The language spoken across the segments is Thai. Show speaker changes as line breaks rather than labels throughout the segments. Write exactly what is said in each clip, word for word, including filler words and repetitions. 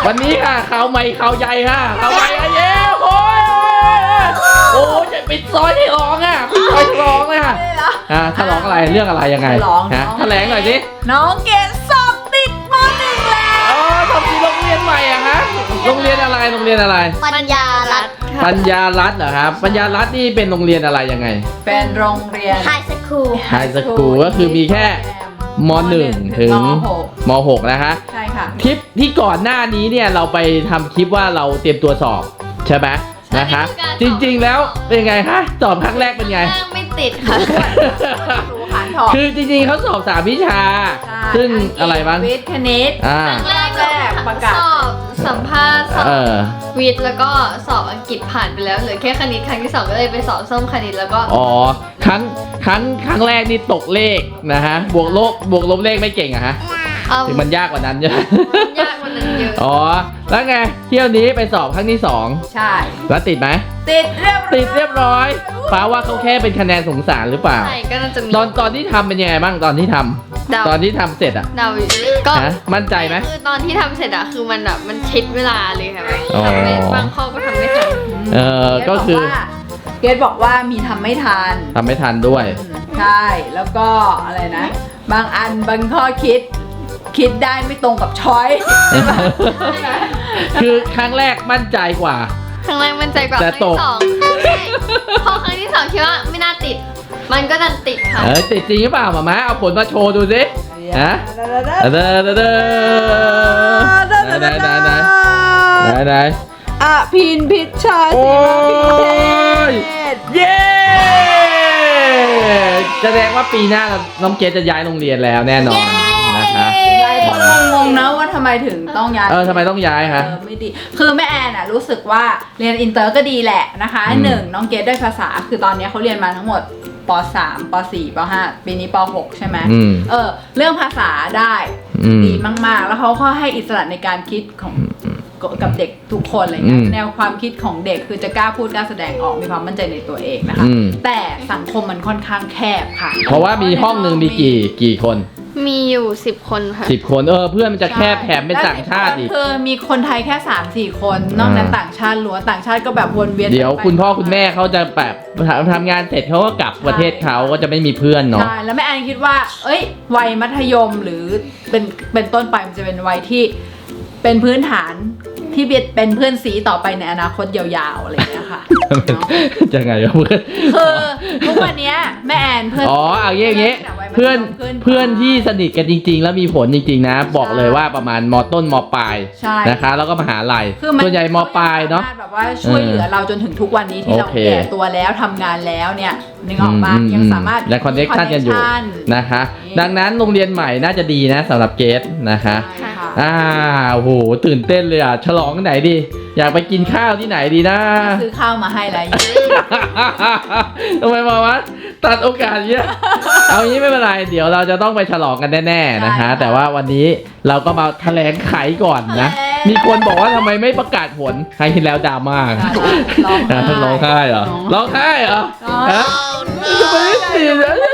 วันนี้ค่ะข่าวใหม่ข่าวใหญ่ค่ะข่าวใหม่อะเย้โอ้ยโอ้ยจะปิดซอยที่ร้องอ่ะปิดซอยที่ร้องอ่ะอ่าถ้าร้องอะไรเรื่องอะไรยังไงฮะแถลงหน่อยสิ
น้องเกดสอบติดม.หนึ่งแล้ว
อ๋อสอบติดโรงเรียนใหม่อะฮะโรงเรียนอะไรโรงเรียนอะไร
ปัญญารัตน์
ปัญญารัตน์เหรอครับปัญญารัตน์นี่เป็นโรงเรียนอะไรยังไง
เป็นโรงเรียน
ไฮสคูล
ไฮสคูลก็คือมีแค่ม.หนึ่ง ถึงม.หก นะคะ
ใช่ค่ะ
คลิปที่ก่อนหน้านี้เนี่ยเราไปทำคลิปว่าเราเตรียมตัวสอบใช่ไหมนะคะจริงๆแล้วเป็นไงคะสอบครั้งแรกเป็นไง
ไม่ติดค่ะ
คือจริงๆเขาสอบสามวิชาซึ่งอะไรบ้าง
วิทย์คณิต
อ่า
แรกแรกประกาศสอบสัมภาษณ์สอบวิทย์แล้วก็สอบอังกฤษผ่านไปแล้วเหลือแค่คณิตครั้งที่สองก็เลยไปสอบส้มคณิตแล้วก็
อ๋อครั้งครั้งครั้งแรกนี่ตกเลขนะฮะบวกลบบวกลบเลขไม่เก่งอะฮะถึงมันยากกว่านั้นใช่ไหม
ยากกว่านั้นเยอะ
อ๋อแล้วไงเที่ยวนี้ไปสอบครั้งที่สอง
ใช่
แล้วติดไหม
ติดเรียบร้อย
ติดเรียบร้อยฟ้าว่าเขาแค่เป็นคะแนนสงสารหรือเปล่า
ใช่ก็น่าจะมี
ตอนตอนที่ทำเป็นยังไงบ้างตอนที่ทำตอนที่ทำเสร็จอะ
เดาก็
มั่นใจไหม
คือตอนที่ทำเสร็จอะคือมันแบบมันชิดเวลาเลยค่ะทำไม่บางข้อก็ทำไม่ทัน
เออก็คือ
เกดบอกว่ามีทำไม่ทัน
ทำไม่ทันด้วย
ใช่แล้วก็อะไรนะบางอันบางข้อคิดคิดได้ไม่ตรงกับช้อย
คือครั้งแรกมั่นใจกว่า
ครั้งแรกมั่นใจกว่าครั้งที่สองพอครั้งที่สองคิดว่าไม่น่าติดมันก็ดันติดค่ะ
เออติดจริงหรือเปล่าหม่าม้าเอาผลมาโชว์ดูสิฮะเด้อเด้อเด้อไหนไหนไหนไหนไหน
อ่ะพินพิชชาสีมาพิเศษ
เย้แสดงว่าปีหน้าน้องเกดจะย้ายโรงเรียนแล้วแน่นอนนะคะ
หลายคนงงนะว่าทำไมถึงต้องย้าย
เออทำไมต้องย้ายคะ
ไม่ดีคือแม่แอนอ่ะรู้สึกว่าเรียนอินเตอร์ก็ดีแหละนะคะหนึ่งน้องเกดได้ภาษาคือตอนนี้เขาเรียนมาทั้งหมดป.สาม ป.สี่ ป.ห้า ปีนี้ป.หก ใช่ไหมเออเรื่องภาษาได้ดีมากๆแล้วเขาก็ให้อิสระในการคิดของกับเด็กทุกคนอะไรเงี้ยแนวความคิดของเด็กคือจะกล้าพูดกล้าแสดงออกมีความมั่นใจในตัวเองนะคะแต่สังคมมันค่อนข้างแคบค่ะ
เพราะว่ามีห้องหนึ่งมีกี่กี่คน
มีอยู่สิบคนค่ะ
สิบคนเออเพื่อนมันจะแคบแถมเป็นต่างชาติอีก
คือมีคนไทยแค่ สามสี่ คนนอกนั้นต่างชาติล้วนต่างชาติก็แบบวนเวียน
เดี๋ยวคุณพ่อคุณแม่เขาจะแบบทำงานเสร็จเขาก็กลับประเทศเขาก็จะไม่มีเพื่อนเนาะ
ใช่แล้วแม่แอนคิดว่าเอ้ยวัยมัธยมหรือเป็นเป็นต้นไปมันจะเป็นวัยที่เป็นพื้นฐานที่เป็นเพื่อนสีต่อไปในอนาคตยาวๆอะไรอย่างเงี้ยค่ะ
จะไงเพื่อน
คือทุกวันนี้แม่แอนเพื่อน
อ๋อเอาเงี้ยเงี้ยเพื่อนเพื่อนที่สนิทกันจริงๆแล้วมีผลจริงๆนะบอกเลยว่าประมาณม.ต้นม.ปลายนะคะแล้วก็มหาลัยส่วนใหญ่ม.ปลายเนาะ
แบบว่าช่วยเหลือเราจนถึงทุกวันนี้ที่เราแก่ตัวแล้วทำงานแล้วเนี่ยนึกออกปะยังสามารถ
และคอนเนคชั่นกันอยู่นะคะดังนั้นโรงเรียนใหม่น่าจะดีนะสำหรับเกดนะคะอ่าโอ้โหตื่นเต้นเลยอ่ะฉลองที่ไหนดีอยากไปกินข้าวที่ไหนดีนะ
ซื้อข้าวมาให้อะไร
ทำไมมาวะตัดโอกาสเยอะเอางี้ไม่เป็นไรเดี๋ยวเราจะต้องไปฉลองกันแน่ๆนะคะแต่ว่าวันนี้เราก็มาแถลงไขก่อนนะมีคนบอกว่าทำไมไม่ประกาศผลใครเห็นแล้วดราม่าร้องไห้เหรอร้องไห้เหรอฮะจะไม่ได้สิ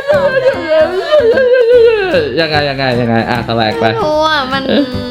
ยังไงยังไงยังไงอ่ะแถลงไป
โอ้อะมัน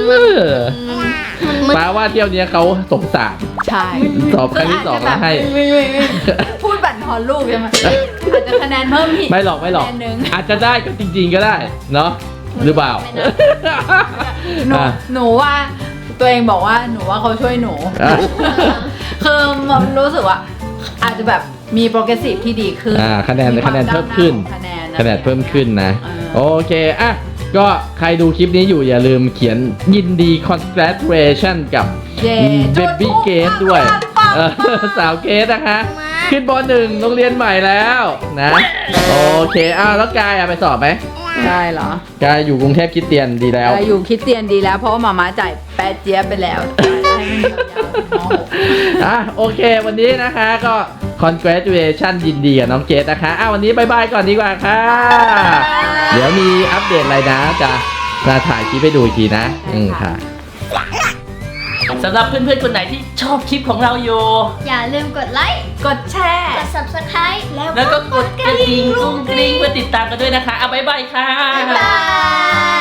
แปลว่าเที่ยวนี้เขาสงสาร
ใช่
สอบครั้งที่สองแล้วให้
พูดบั่นทอนลูกใช่ไหมอาจจะคะแนนเพิ่มอีก
ไม่หรอกไม่หรอกอาจจะได้ก็จริงๆก็ได้เนาะหรือเปล่า
หนูหนูว่าตัวเองบอกว่าหนูว่าเขาช่วยหนูคือมันรู้สึกว่าอาจจะแบบมีโปรเกรสซีฟที่ดีขึ้น
คะแนนคะแนนเพิ่มขึ้นคะแนนคะแนนเพิ่มขึ้นนะโอเคอ่ะก็ใครดูคลิปนี้อยู่อย่าลืมเขียนยินดี congratulation กับ Baby Gate ด้วยสาวเกตนะคะขึ้นป.หนึ่งโรงเรียนใหม่แล้วนะโอเคอ้าวแล้วกายไปสอบไหม
ได้เหรอก
ายอยู่กรุงเทพคริสเตียนดีแล้ว
กายอยู่คริสเตียนดีแล้วเพราะว่าหม่าม้าจ่ายแป๊ดเจี๊ยบไปแล้ว
อ่ะโอเควันนี้นะคะก็ congratulation ยินดีกับน้องเกดนะคะอ้าววันนี้บายบายก่อนดีกว่าค่ะเดี๋ยวมีอัปเดตอะไรนะจะมาถ่ายคลิปให้ดูอีกทีนะอืมค่ะสำหรับเพื่อนๆคนไหนที่ชอบคลิปของเราอยู่
อย่าลืมกดไลค์
กดแชร์
กด ซับสไครบ์
แล้วก็กดกระดิ่งกุ้งกริ้งเพื่อติดตามกันด้วยนะคะเอาบายบายค่ะ
บ๊ายบาย